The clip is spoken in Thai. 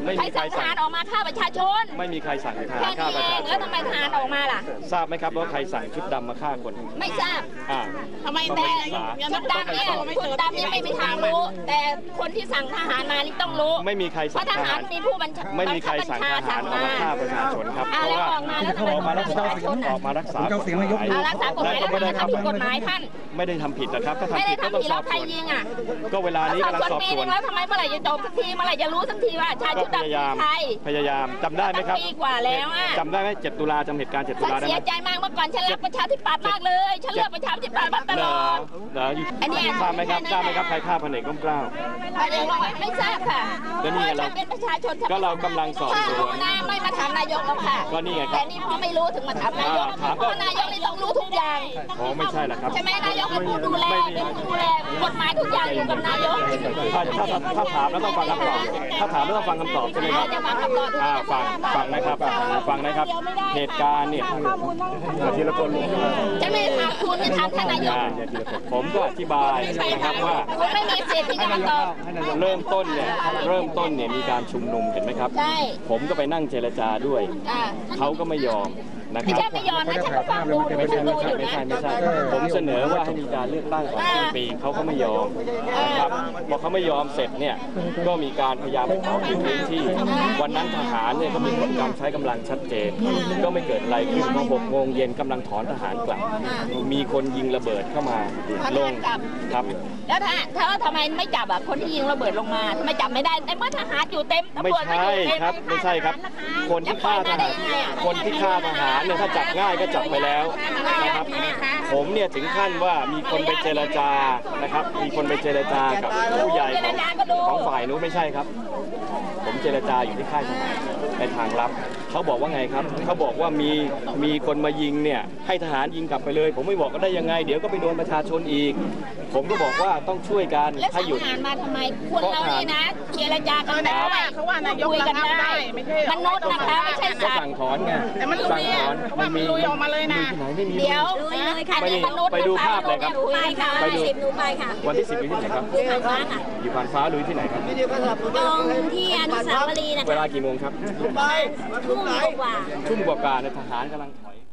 ใครสั่งทหารออกมาฆ่าประชาชนไม่มีใครสั่งทหารฆ่าประชาชนแล้วทำไมทหารออกมาล่ะทราบไหมครับว่าใครสั่งชุดดำมาฆ่าคนไม่ทราบทำไมแต่ชุดดำเนี่ยชุดดำเนี่ยไม่มีทางรู้แต่คนที่สั่งทหารมานี่ต้องรู้ไม่มีใครสั่งทหารมีผู้บัญชาไม่มีใครสั่งทหารออกมาฆ่าประชาชนครับเพราะว่าออกมารักษากฎหมายแล้วไม่ได้ทำผิดกฎหมายท่านไม่ได้ทำผิดนะครับถ้าทำผิดก็ต้องสอบสวนก็เวลานี้กำลังสอบสวนแล้วทำไมเมื่อไหร่จะจบสักทีเมื่อไหร่จะรู้สักทีว่าชายชุดดำใครพยายามจำได้ไหมครับปีกว่าแล้วจำได้ไหม7 ตุลาจำเหตุการณ์7 ตุลาได้ไหมเสียใจมากเมื่อก่อนฉันรักประชาธิปัตย์มากเลยฉันเลือกประชาธิปัตย์มาตลอดอันนี้ทราบไหมครับใครฆ่าพลเอกร่มเกล้าไม่ทราบค่ะก็นี่ไงเราเป็นประชาชนก็เรากำลังสอบสวนไม่มาถามนายกแล้วค่ะก็นี่ไงแต่นี่พอไม่รู้ถึงมาถามนายกเพราะนายกนี่ต้องรู้ทุกอย่างอ๋อไม่ใช่หรอกครับใช่ไหมนายกเป็นผู้ดูแลกฎหมายทุกอย่างอยู่กับนายกถ้าถามแล้วต้องฟังคำตอบถ้าถามแล้วต้องฟังคำตอบใช่ไหมครับฟังนะครับเหตุการณ์เนี่ยทีละคนจะไม่ถามคุณจะถามท่านนายกผมก็อธิบายนะครับว่าไม่มีสิทธิ์ที่จะมาตอบเริ่มต้นเนี่ยมีการชุมนุมเห็นไหมครับผมก็ไปนั่งเจรจาด้วยเขาก็ไม่ยอมนะครับไม่ยอมนะฉันก็ฟังดูไม่ใช่ผมเสนอว่าให้มีการเลือกตั้งก่อนสิ้นปีเขาก็ไม่ยอมนะครับพอเขาไม่ยอมเสร็จเนี่ยก็มีการพยายามขอพื้นที่วันนั้นทหารเนี่ยก็มีการใช้กำลังชัดเจนก็ไม่เกิดอะไรขึ้นพอ6 โมงเย็นกำลังถอนทหารกลับมีคนยิงระเบิดเข้ามาลงครับแล้วถ้าทำไมไม่จับคนที่ยิงระเบิดลงมาทำไมจับไม่ได้แต่เมื่อทหารอยู่เต็มไม่ใช่ครับไม่ใช่ครับคนที่ฆ่าทหารทหารเนี่ยถ้าจับง่ายก็จับไปแล้วนะครับผมเนี่ยถึงขั้นว่ามีคนไปเจรจานะครับมีคนไปเจรจากับผู้ใหญ่ของฝ่ายนู้นไม่ใช่ครับผมเจรจาอยู่ที่ค่ายทหารในทางลับเขาบอกว่าไงครับเขาบอกว่ามีคนมายิงเนี่ยให้ทหารยิงกลับไปเลยผมไม่บอกก็ได้ยังไงเดี๋ยวก็ไปโดนประชาชนอีกผมก็บอกว่าต้องช่วยกันให้หยุดทหารมาทำไมคนเรานี่นะเจรจากันได้เขาว่านายกระงับได้ไม่ใช่มนุษย์นะคะไม่ใช่สัตว์สั่งถอนไงแต่มันลุยมันมีลุยออกมาเลยนะเดี๋ยวเลยค่ะไปดูภาพเลยครับไปดูค่ะวันที่ 10อยู่ที่ไหนครับอยู่ผ่านฟ้าลุยที่ไหนครับตรงที่อนุสาวรีย์นะคะเวลากี่โมงครับทุ่มกว่าในทหารกำลังถอย